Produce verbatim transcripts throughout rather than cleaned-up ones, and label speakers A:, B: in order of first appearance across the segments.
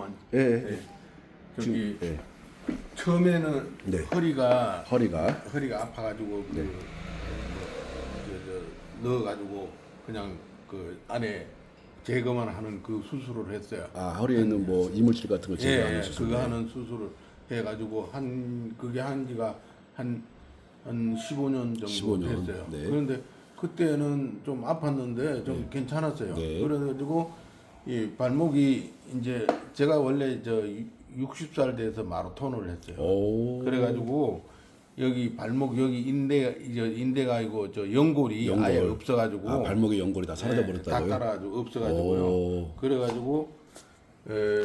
A: 잠깐만.
B: 예.
A: 네. 저기
B: 지금, 예.
A: 처음에는
B: 네.
A: 허리가
B: 허리가
A: 허리가 아파가지고 그,
B: 네.
A: 뭐, 저, 저, 넣어가지고 그냥 그 안에 제거만 하는 그 수술을 했어요.
B: 아 허리에 있는 뭐 이물질 같은 걸 제거하는
A: 예,
B: 수술.
A: 그거 하는 수술을 해가지고 한 그게 한 지가 한 한 십오 년 정도
B: 십오 년.
A: 됐어요.
B: 네.
A: 그런데 그때는 좀 아팠는데 좀 괜찮았어요.
B: 네.
A: 그래가지고 이 발목이 이제 제가 원래 저 육십 살 돼서 마라톤을 했어요.
B: 오.
A: 그래가지고 여기 발목 여기 인대 이제 인대가 아니고 저 연골이
B: 연골.
A: 아예 없어가지고
B: 아 발목에 연골이 다 사라져
A: 다
B: 버렸다고요?
A: 따라가지고 없어가지고요.
B: 오.
A: 그래가지고 에,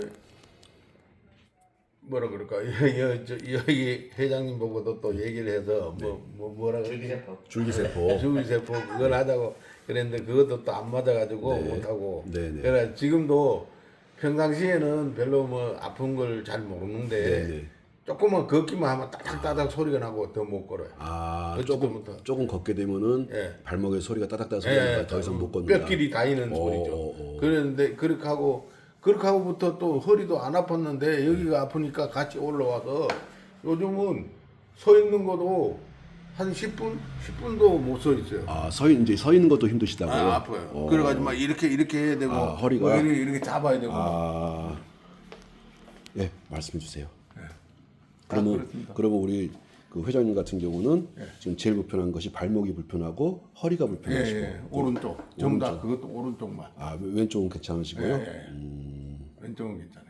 A: 뭐라 그럴까 여기 회장님 보고도 또 얘기를 해서 뭐, 뭐 뭐라 그러지?
B: 줄기세포.
A: 줄기세포 그걸 하자고 그랬는데 그것도 또 안 맞아가지고
B: 네.
A: 못하고.
B: 네네.
A: 그래 지금도 평상시에는 별로 뭐 아픈 걸 잘 모르는데
B: 네네.
A: 조금만 걷기만 하면 따닥따닥 소리가 나고 더 못 걸어요.
B: 아
A: 어찌도
B: 조금
A: 못하-
B: 조금 걷게 되면은
A: 예.
B: 발목에 소리가 따닥따닥 소리가
A: 예,
B: 더 이상 못 걷는다.
A: 뼈끼리 닿이는
B: 오,
A: 소리죠.
B: 오, 오.
A: 그랬는데 그렇게 하고 그렇게 하고부터 또 허리도 안 아팠는데 여기가 아프니까 같이 올라와서 요즘은 서 있는 것도 한 십 분, 십 분도 못 서 있어요.
B: 아서 이제 서 있는 것도 힘드시다고요?
A: 아, 아파요.
B: 어.
A: 그래가지고 막 이렇게 이렇게 해야 되고
B: 아, 허리가?
A: 뭐 이렇게, 이렇게 잡아야 되고.
B: 아, 예, 말씀해 주세요.
A: 네.
B: 그러면
A: 아, 그렇습니다.
B: 그러면 우리 그 회장님 같은 경우는
A: 예.
B: 지금 제일 불편한 것이 발목이 불편하고 허리가
A: 예,
B: 불편하시고,
A: 예. 오른쪽 전부 다 그것도 오른쪽만.
B: 아 왼쪽은 괜찮으시고요.
A: 예, 예. 왼쪽은 괜찮아요.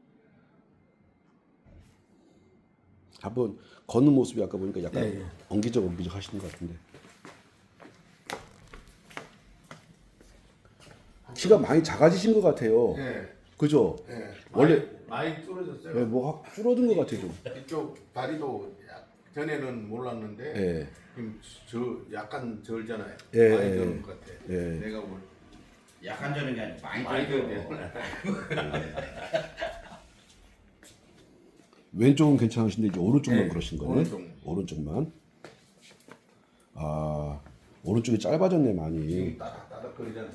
B: 한번 걷는 모습이 아까 보니까 약간
A: 예, 예.
B: 엉기적 엉기적 하시는 것 같은데. 키가 많이 작아지신 것 같아요.
A: 예,
B: 그죠?
A: 예.
B: 원래-
A: 많이, 많이 줄어졌어요.
B: 예, 뭐 확 줄어든 것 같아요 좀.
A: 이쪽 다리도 약- 전에는 몰랐는데
B: 예.
A: 지금 저 약간 절잖아요.
B: 예,
A: 많이
B: 예,
A: 절은 것 같아.
B: 예.
A: 내가 볼
C: 약한 저는 게 아니고 많이
A: 많이
C: 들죠.
A: 절대.
B: 왼쪽은 괜찮으신데 이제 오른쪽만
A: 예,
B: 그러신 거네.
A: 오른쪽.
B: 오른쪽만. 아 오른쪽이 짧아졌네 많이.
A: 지금 따닥따닥 거리잖아요.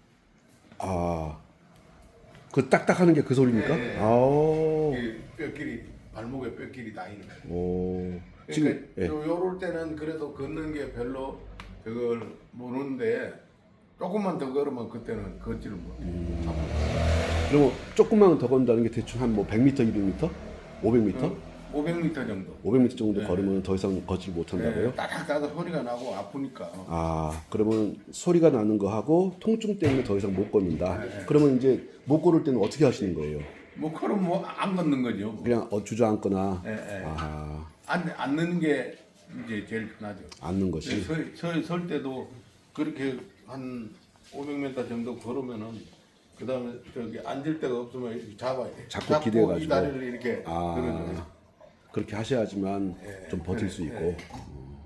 B: 아, 그 딱딱하는 게 그 소리입니까?
A: 예, 예.
B: 아,
A: 이 뼈끼리 발목에 뼈끼리 다니는 거예요.
B: 오,
A: 그러니까
B: 지금 예.
A: 요, 요럴 때는 그래도 걷는 게 별로 그걸 모르는데 조금만 더 걸으면 그때는 걷지를 못해요.
B: 음. 그러면 조금만 더 건다는 게 대충 한 뭐 백 미터, 이백 미터, 오백 미터,
A: 오백 미터 정도.
B: 오백 미터 정도 걸으면 더 이상 걷지 못한다고요?
A: 네, 따닥따닥 소리가 나고 아프니까.
B: 아, 그러면 소리가 나는 거 하고 통증 때문에 더 이상 못 걷는다.
A: 네.
B: 그러면 이제 못 걸을 때는 어떻게 하시는 거예요?
A: 뭐 그럼 뭐 안 걷는 거죠. 뭐.
B: 그냥 어, 주저앉거나
A: 예, 예.
B: 아,
A: 안 앉는 게 이제 제일 편하죠.
B: 앉는 것이.
A: 서, 서, 설 때도 그렇게 한 오백 미터 정도 걸으면은 그 다음에 저기 앉을 데가 없으면 이렇게 잡아야 돼.
B: 자꾸 기대가지고.
A: 이 다리를 이렇게
B: 아,
A: 들어줘요.
B: 그렇게 하셔야지만
A: 예,
B: 좀 버틸
A: 예,
B: 수
A: 예.
B: 있고. 음.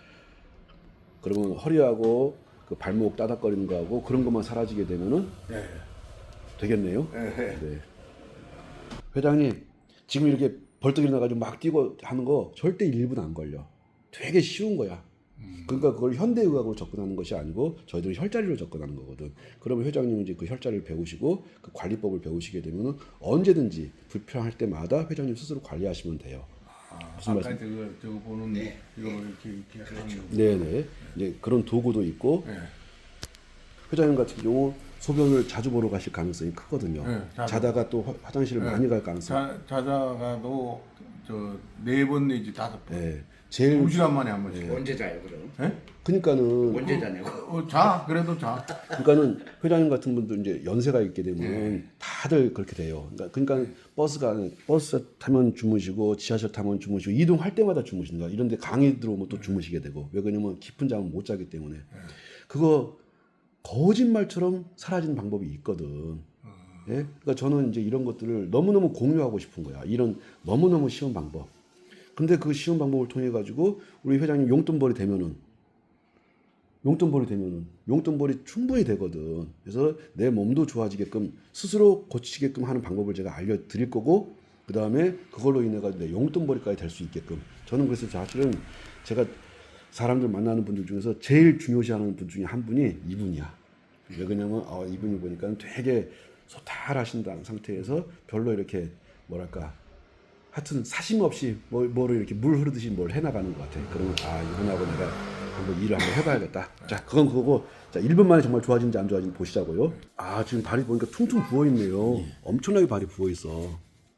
B: 그러면 허리하고 그 발목 따닥거리는 거하고 그런 것만 사라지게 되면은
A: 예.
B: 되겠네요.
A: 예, 예.
B: 네. 회장님, 지금 이렇게 벌떡 일어나가지고 막 뛰고 하는 거 절대 일 분 안 걸려. 되게 쉬운 거야. 그러니까 그걸 현대의학으로 접근하는 것이 아니고 저희들은 혈자리로 접근하는 거거든. 그러면 회장님은 이제 그 혈자리를 배우시고 그 관리법을 배우시게 되면은 언제든지 불편할 때마다 회장님 스스로 관리하시면 돼요.
A: 아,
B: 무슨
A: 아까
B: 말씀?
A: 저거 저거 보는
C: 네.
A: 이거 이렇게 이렇게 하는 거.
B: 네네. 이제 그런 도구도 있고
A: 예.
B: 회장님 같은 경우 소변을 자주 보러 가실 가능성이 크거든요.
A: 네, 자주.
B: 자다가 또 화- 화장실을 많이 갈 가능성.
A: 자, 자다가도 저 네 번 내지 다섯 번.
B: 네. 제일
A: 두 시간 만에 한 번씩.
C: 언제 자요 그럼?
A: 예?
B: 그러니까는
C: 언제 자냐고?
A: 어, 자 그래도 자.
B: 그러니까는 회장님 같은 분도 이제 연세가 있게 되면 다들 그렇게 돼요. 그러니까, 그러니까 버스가 버스 타면 주무시고 지하철 타면 주무시고 이동할 때마다 주무신다. 이런데 강의 들어오면 또 주무시게 되고 왜 그러냐면 깊은 잠을 못 자기 때문에 그거 거짓말처럼 사라지는 방법이 있거든. 예? 그러니까 저는 이제 이런 것들을 너무너무 공유하고 싶은 거야. 이런 너무너무 쉬운 방법. 근데 그 쉬운 방법을 통해 가지고 우리 회장님 용돈벌이 되면은 용돈벌이 되면은 용돈벌이 충분히 되거든. 그래서 내 몸도 좋아지게끔 스스로 고치게끔 하는 방법을 제가 알려드릴 거고 그 다음에 그걸로 인해 가지고 내 용돈벌이까지 될 수 있게끔 저는 그래서 사실은 제가 사람들 만나는 분들 중에서 제일 중요시하는 분 중에 한 분이 이분이야. 왜 그러냐면 어, 이분이 보니까 되게 소탈하신 상태에서 별로 이렇게 뭐랄까 하여튼 사심 없이 뭐, 뭐를 이렇게 물 흐르듯이 뭘 해나가는 것 같아. 그러면 아 이분하고 내가 한번 일을 한번 해봐야겠다. 자 그건 그거고 자 일 분 만에 정말 좋아지는지 안 좋아지는지 보시자고요. 아 지금 발이 보니까 퉁퉁 부어있네요. 엄청나게 발이 부어있어.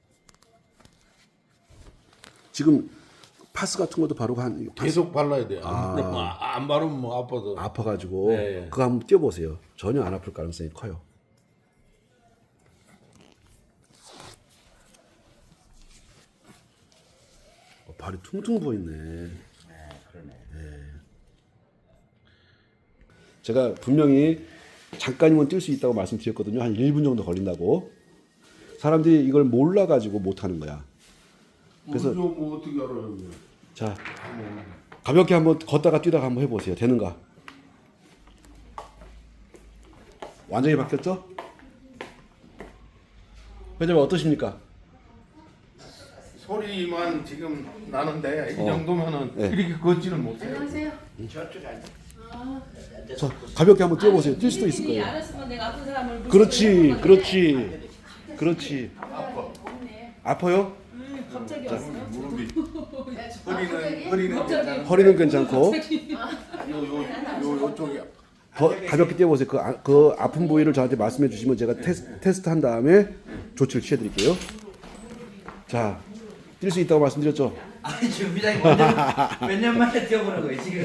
B: 지금 파스 같은 것도 바르고 한
A: 계속 발라야 돼요. 안, 바르면 아, 안 바르면 뭐 아파서.
B: 아파가지고
A: 네.
B: 그거 한번 띄워보세요. 전혀 안 아플 가능성이 커요. 어, 발이 퉁퉁 부어있네.
C: 네, 그러네.
B: 제가 분명히 잠깐이면 뛸 수 있다고 말씀드렸거든요. 한 일 분 정도 걸린다고. 사람들이 이걸 몰라가지고 못하는 거야.
A: 그래서 뭐 어떻게 알아요?
B: 자, 가볍게 한번 걷다가 뛰다가 한번 해보세요. 되는가? 완전히 바뀌었죠? 회장님 어떠십니까?
A: 소리만 지금 나는데 이
B: 어.
A: 정도면은
B: 네.
A: 이렇게 걷지는 못해요.
D: 안녕하세요.
C: 저쪽 앉아.
B: 자, 가볍게 한번 뛰어보세요. 뛸 수도 있을 거예요.
D: 알았으면 내가 아픈 사람을
B: 그렇지, 그렇지, 그렇지.
D: 없네.
B: 아파요?
D: 음, 갑자기 왔어요.
A: 무릎이 허리는 허리는 괜찮아.
B: 허리는 괜찮고
A: 요요요 요쪽이
B: 더 가볍게 뛰어보세요. 그, 아, 그 아픈 부위를 저한테 말씀해 주시면 제가 테스, 테스트 한 다음에 조치를 취해 드릴게요. 자, 뛸 수 있다고 말씀드렸죠?
C: 아니 지금 회장님 몇 년 만에 뛰어보는 거예요 지금?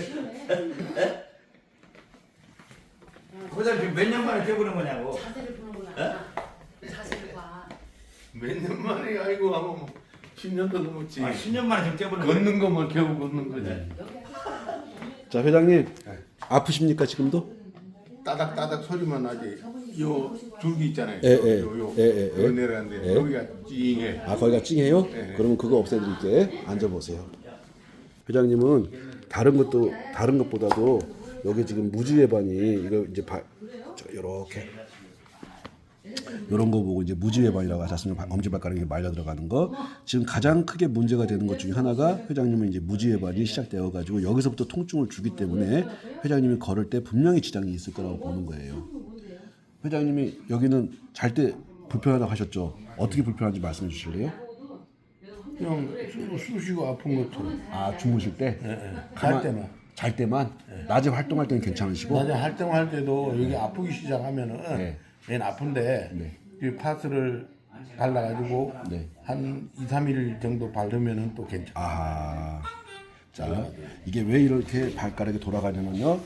C: 회장님 지금 몇 년 만에 뛰어보는 거냐고?
D: 자세를 보는구나. 자세를 봐.
A: 몇 년 만에 아이고 하면 뭐 십 년도 넘었지.
C: 아, 십 년 만에 지금 뛰어보는 거예요?
A: 걷는 거만 겨우 걷는 거지.
B: 자, 회장님 아프십니까 지금도?
A: 따닥따닥 소리만 나지. 요 줄기 있잖아요.
B: 예, 예.
A: 요요
B: 예, 예, 예.
A: 요 내려가는데
B: 예.
A: 여기가 찡해.
B: 아 거기가 찡해요?
A: 네.
B: 그러면 그거 없애드릴게. 앉아보세요. 회장님은 다른 것도 다른 것보다도 여기 지금 무지외반이 이거 이제 바, 저 이렇게 이런 거 보고 이제 무지외반이라고 하셨으면 엄지발가락이 말려 들어가는 거. 지금 가장 크게 문제가 되는 것 중에 하나가 회장님은 이제 무지외반이 시작되어 가지고 여기서부터 통증을 주기 때문에 회장님이 걸을 때 분명히 지장이 있을 거라고 보는 거예요. 회장님이 여기는 잘 때 불편하다고 하셨죠? 어떻게 불편한지 말씀해 주실래요?
A: 그냥 쑤- 쑤시고 아픈 것처럼.
B: 아 주무실 때?
A: 갈 때만.
B: 잘 때만? 낮에 활동할 때는 괜찮으시고?
A: 낮에 활동할 때도 여기 아프기 시작하면은
B: 네.
A: 얘는 아픈데 이 파스를 발라가지고
B: 네.
A: 한 이, 삼 일 정도 바르면은 또 괜찮아.
B: 아, 자 이게 왜 이렇게 발가락이 돌아가냐면요.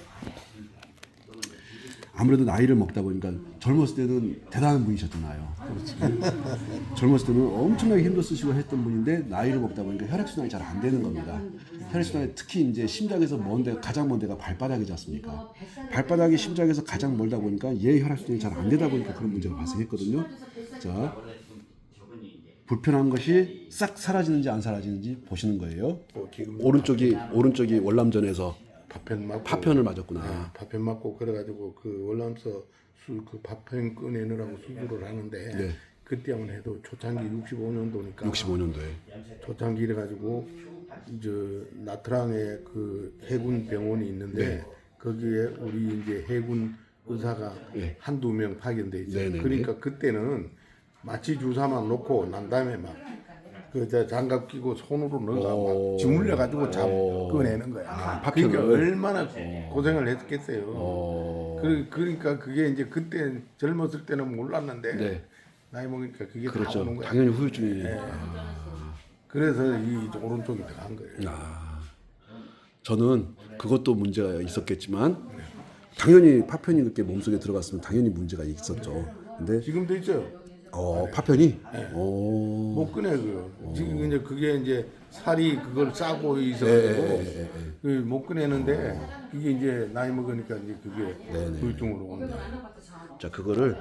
B: 아무래도 나이를 먹다 보니까 젊었을 때는 대단한 분이셨잖아요. 젊었을 때는 엄청나게 힘도 쓰시고 했던 분인데 나이를 먹다 보니까 혈액순환이 잘 안 되는 겁니다. 혈액순환이 특히 이제 심장에서 먼데 가장 먼 데가 발바닥이지 않습니까? 발바닥이 심장에서 가장 멀다 보니까 얘 혈액순환이 잘 안 되다 보니까 그런 문제가 발생했거든요. 자, 불편한 것이 싹 사라지는지 안 사라지는지 보시는 거예요.
A: 또 지금
B: 오른쪽이 오른쪽이 월남전에서
A: 파편 맞고
B: 파편을 맞았구나.
A: 네, 파편 맞고 그래가지고 그 월남서 수그 파편 꺼내느라고 수술을 하는데
B: 네.
A: 그때 한번 해도 초창기 육십오 년도니까
B: 육십오 년도에.
A: 초창기 이래가지고 이제 나트랑에 그 해군 병원이 있는데
B: 네.
A: 거기에 우리 이제 해군 의사가
B: 네.
A: 한두 명 파견돼 있어요.
B: 네네네.
A: 그러니까 그때는 마취 주사만 놓고 난 다음에 막 그 장갑 끼고 손으로 넣어가
B: 오.
A: 막 주물려 가지고 잡
B: 오.
A: 꺼내는 거야.
B: 아,
A: 그러니까
B: 파편을.
A: 얼마나 고생을 했겠어요.
B: 어.
A: 그, 그러니까 그게 이제 그때 젊었을 때는 몰랐는데
B: 네.
A: 나이 먹으니까 그게 다
B: 그렇죠.
A: 오는 거야.
B: 당연히 후유증이.
A: 그래서 이 오른쪽이 들어간 거예요.
B: 아, 저는 그것도 문제가 있었겠지만 당연히 파편이 그렇게 몸속에 들어갔으면 당연히 문제가 있었죠. 근데
A: 지금도 있어요.
B: 어 파편이
A: 네.
B: 어,
A: 못 꺼내 그. 지금 이제 그게 이제 살이 그걸 싸고
B: 예,
A: 있어가지고 못 꺼내는데 이게 이제 나이 먹으니까 이제 그게 후유증으로 오는 거예요.
B: 자 그거를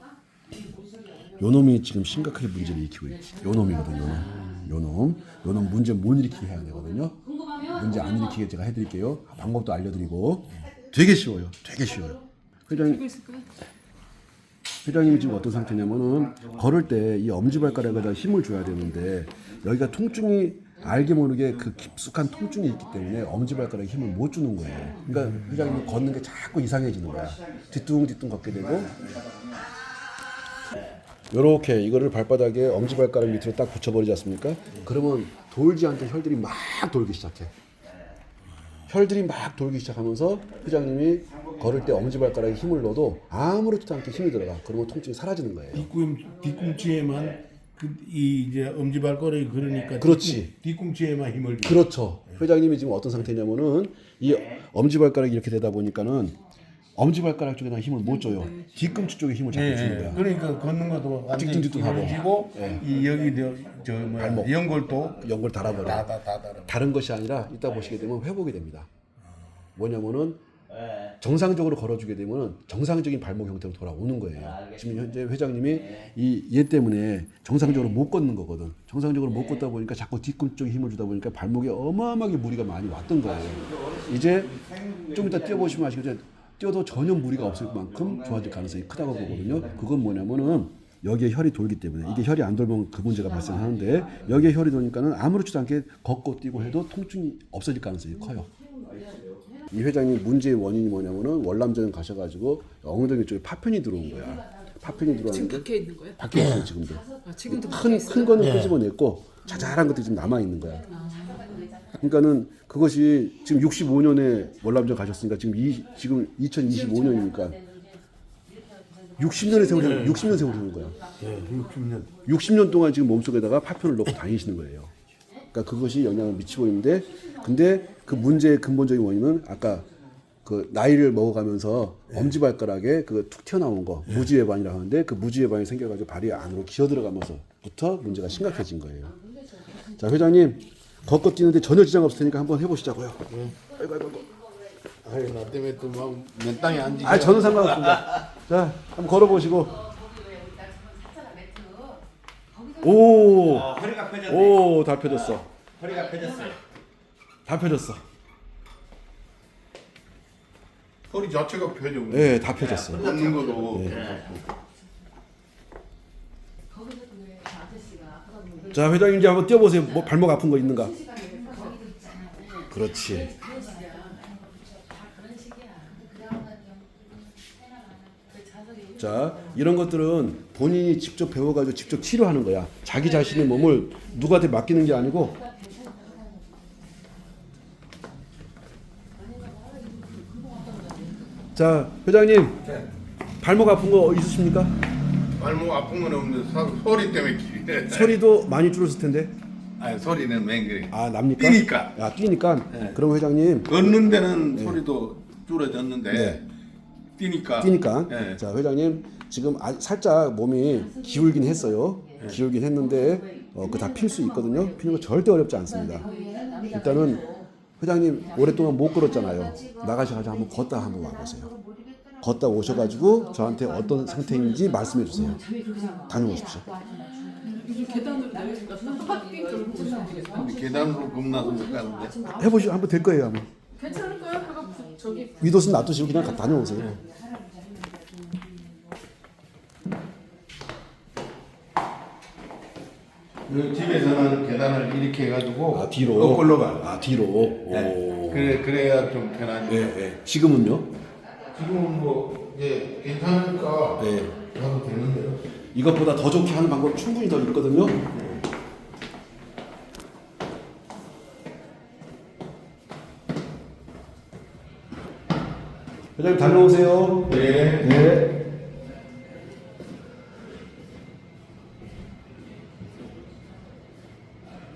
B: 요놈이 지금 심각하게 문제를 일으키고 있지. 요놈이거든 요놈. 요놈. 요놈 문제 못 일으키게 해야 되거든요. 문제 안 일으키게 제가 해드릴게요. 방법도 알려드리고 되게 쉬워요. 되게 쉬워요. 회장님. 회장님이 지금 어떤 상태냐면은 걸을 때 이 엄지발가락에다 힘을 줘야 되는데 여기가 통증이 알게 모르게 그 깊숙한 통증이 있기 때문에 엄지발가락에 힘을 못 주는 거예요. 그러니까 회장님이 걷는 게 자꾸 이상해지는 거야. 뒤뚱뒤뚱 걷게 되고 요렇게 이거를 발바닥에 엄지발가락 밑으로 딱 붙여버리지 않습니까? 그러면 돌지 않게 혈들이 막 돌기 시작해. 혈들이 막 돌기 시작하면서 회장님이 걸을 때 엄지발가락에 힘을 넣어도 아무렇지도 않게 힘이 들어가. 그러면 통증이 사라지는 거예요.
A: 뒤꿈 뒤꿈치에만 그 이 이제 엄지발가락이 그러니까
B: 그렇지.
A: 뒤꿈, 뒤꿈치에만 힘을 줘.
B: 그렇죠. 회장님이 지금 어떤 상태냐면은 이 엄지발가락이 이렇게 되다 보니까는 엄지발가락 쪽에다 힘을 못 줘요. 뒤꿈치 쪽에 힘을 자꾸
A: 예,
B: 주는
A: 예.
B: 거야.
A: 그러니까 걷는 것도 완전히
B: 찌뚱찌뚱하고.
A: 기울어지고 이 여기 저, 저 뭐야
B: 발목.
A: 연골도
B: 연골 달아버려.
A: 다다 다 달아.
B: 다른 것이 아니라 이따 보시게 되면 회복이 됩니다. 뭐냐면은 정상적으로 걸어주게 되면 정상적인 발목 형태로 돌아오는 거예요. 지금 현재 회장님이 이 얘 때문에 정상적으로 못 걷는 거거든. 정상적으로 못 걷다 보니까 자꾸 뒤꿈치 쪽에 힘을 주다 보니까 발목에 어마어마하게 무리가 많이 왔던 거예요. 이제 좀 이따 뛰어보시면 아시겠지만 뛰어도 전혀 무리가 없을 만큼 좋아질 가능성이 크다고 보거든요. 그건 뭐냐면은 여기에 혈이 돌기 때문에 이게 혈이 안 돌면 그 문제가 발생하는데 여기에 혈이 도니까는 아무렇지도 않게 걷고 뛰고 해도 통증이 없어질 가능성이 커요. 이 회장님 문제의 원인이 뭐냐면은 월남전 가셔가지고 엉덩이 쪽에 파편이 들어온 거야. 파편이
E: 지금
B: 들어왔는데
E: 박혀 있는 거예요?
B: 박혀 있어요 지금도.
E: 아, 지금도 박혀
B: 큰
E: 있어요?
B: 큰 거는 끄집어냈고 자잘한 것들이 지금 남아 있는 거야. 그러니까는 그것이 지금 육십오 년에 월남전 가셨으니까 지금 이 지금 이천이십오 년이니까 육십 년의 세월이 육십 년 세월이 되는 거야.
A: 예, 육십 년.
B: 육십 년 동안 지금 몸속에다가 파편을 넣고 다니시는 거예요. 그러니까 그것이 영향을 미치고 있는데, 근데 그 문제의 근본적인 원인은 아까 그 나이를 먹어가면서 엄지발가락에 그 툭 튀어나온 거 무지외반이라고 하는데 그 무지외반이 생겨가지고 발이 안으로 기어 들어가면서부터 문제가 심각해진 거예요. 자 회장님 걷고 뛰는데 전혀 지장 없을 테니까 한번 해보시자고요. 아이고 아이고 아이고.
A: 아이 나 때문에 또막맨 땅에 앉지.
B: 아 저는 상관없습니다. 자 한번 걸어보시고. 오.
C: 어, 허리가 펴졌네.
B: 오, 다 펴졌어.
C: 허리가 펴졌어요.
B: 다 펴졌어.
A: 허리 자체가 펴져.
B: 예, 다 펴졌어.
A: 걷는 것도.
B: 자, 회장님 이제 한번 뛰어보세요. 뭐 발목 아픈 거 있는가? 그렇지. 자, 이런 것들은 본인이 직접 배워가지고 직접 치료하는 거야. 자기 자신의 몸을 누구한테 맡기는 게 아니고. 자, 회장님 발목 아픈 거 있으십니까?
A: 발목 아픈 건 없는데 사- 소리 때문에 길이.
B: 소리도 많이 줄었을 텐데.
A: 아니 소리는 맨 그래.
B: 아, 납니까?
A: 뛰니까.
B: 아, 뛰니까. 그럼 회장님
A: 걷는 데는 소리도 줄어졌는데
B: 네.
A: 뛰니까.
B: 뛰니까.
A: 예.
B: 자, 회장님 지금 아, 살짝 몸이 기울긴 했어요. 기울긴 했는데 어, 그 다 필 수 있거든요. 피는 거 절대 어렵지 않습니다. 일단은 회장님 오랫동안 못 걸었잖아요. 나가셔가지고 한번 걷다 한번 와보세요. 걷다 오셔가지고 저한테 어떤 상태인지 말씀해 주세요. 다녀오십시오.
E: 이게 계단으로 내려니까 빙 돌고 오시면 되겠어요?
A: 계단으로 겁나서 못 가는데.
B: 해보시면 한번 될 거예요. 아마.
E: 괜찮을까요? 그거 부- 저기
B: 위도스 놔두시고 그냥 가- 다녀오세요.
A: 그 집에서는 계단을 이렇게 해가지고
B: 아 뒤로.
A: 거꾸로 가.
B: 아 뒤로.
A: 네.
B: 오.
A: 그래 그래야 좀 편하지.
B: 예, 예. 지금은요?
A: 지금은 뭐 이제 괜찮으니까
B: 네.
A: 가도 되는데요.
B: 이것보다 더 좋게 하는 방법 충분히 더 있거든요. 회장님 다녀오세요.
A: 네.
B: 네.